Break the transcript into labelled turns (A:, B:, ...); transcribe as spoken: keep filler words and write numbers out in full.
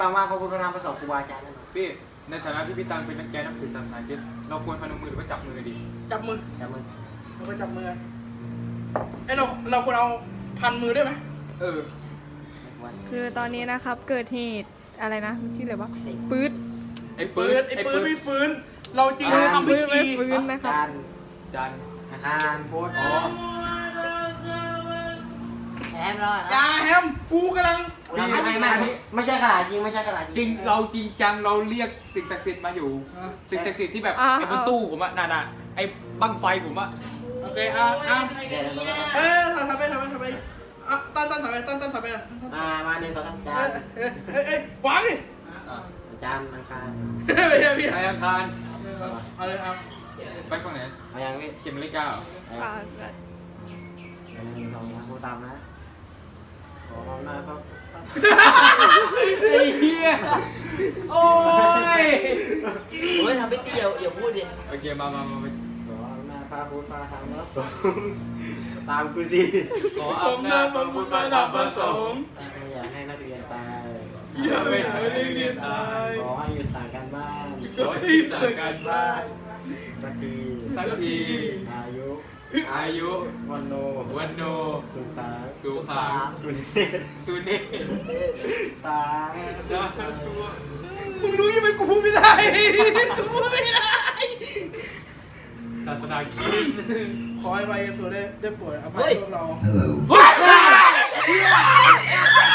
A: ตามมาพระพุทธธรรมประสบครูบาอาจารย์นั่น
B: พี่ในฐานะที่พี่ตังเป็นนักแกนับถือศาสนาคริสต์เราควรพนมมือหรือว่าจับมือดี
C: จับมือ
A: จำมึง
C: เราไปจับมือไอ้เราเราควรเอาพันมือได้ไหม
B: เออ
D: คือตอนนี้นะครับเกิดเหตุอะไรนะมันชื่ออะไรวะปื๊ด
B: ไอ้
C: ปื
B: ปื
C: น
B: น
C: ไอ้ปืนไม่ฟื้น เราจริง
D: ปื๊ด
C: ทำพิ
D: ปื๊ด
C: ธี
D: ไม่ฟื้นนะครับ
A: จัน
B: จัน
A: อาคารพุทธ
B: อ๋อ
E: แอมรอด
C: อยาแฮมกูกำลัง
A: ไม่ไม่ไม่ไม่ใช่ขนาดจริงไม่ใช่ขนาด
B: จริงเราจริงจังเราเรียกสิ่งศักดิ์สิทธิ์มาอยู่ สิ่งศักดิ์สิทธิ์ที่แบบ
D: อ่า
B: ไอ้บนตู้ผมอะน่ะๆไอ้บั้งไฟผมอะ
C: โอเคอ่ะอ่ะ
A: เดี๋ยวเดี๋ยว
C: เอ้ยทำทำไปทำไปทำไปอ่ะตั้นตั้นทำไปตั้นตั้นทำไปอ่ะ
A: อ่ามาหนึ่งสองสามจา
C: เอ้
A: น
C: ยเอ้ยเอ้ยวางดิ
B: อ่ะ
A: จานอังคาร
C: ไม่ใช่พี่
B: ไอ้อังคาร
C: เอาเลยเอา
B: ไปฝั่งไหน
A: เอาอย่างนี้
B: เขียนนาฬิกาเหรอ
D: อ่า
A: หนึ่งสองสามพูดตามนะขออำนาจพระ
B: ไอ้เหี้ยโอ้ย
E: โอ้ยทำพิธีอย่าอย่าพูดดิ
B: โอเคมามามามา
A: ขออำนาจพระพุทธพระธรรมพระสงฆ์ตามกูสิ
B: ขออำนาจพระพุทธพระธรรมพระสงฆ์
A: ไม่อยากให้นักเรียนตาย
B: อย่าไปหาได้เรียนตาย
A: ขอให้หยุดสั่งการบ้าน
B: ขอให้สั่งการบ้าน
A: สักที
B: สักที
A: อายุ
B: อายุ
A: วันโน
B: วันโน
A: สุขา
B: สุขา
A: สุเนศ
B: สุเนศ
A: สา
B: สาธุ
C: มึงรู้ยังไงกูพูดไม่ได้กูพูดไม่ได้
B: ศาสนาคริสต์
C: ขอให้ไวเอสโซได้ได้ป่วยอภัยพวกเรา
B: เฮ้ย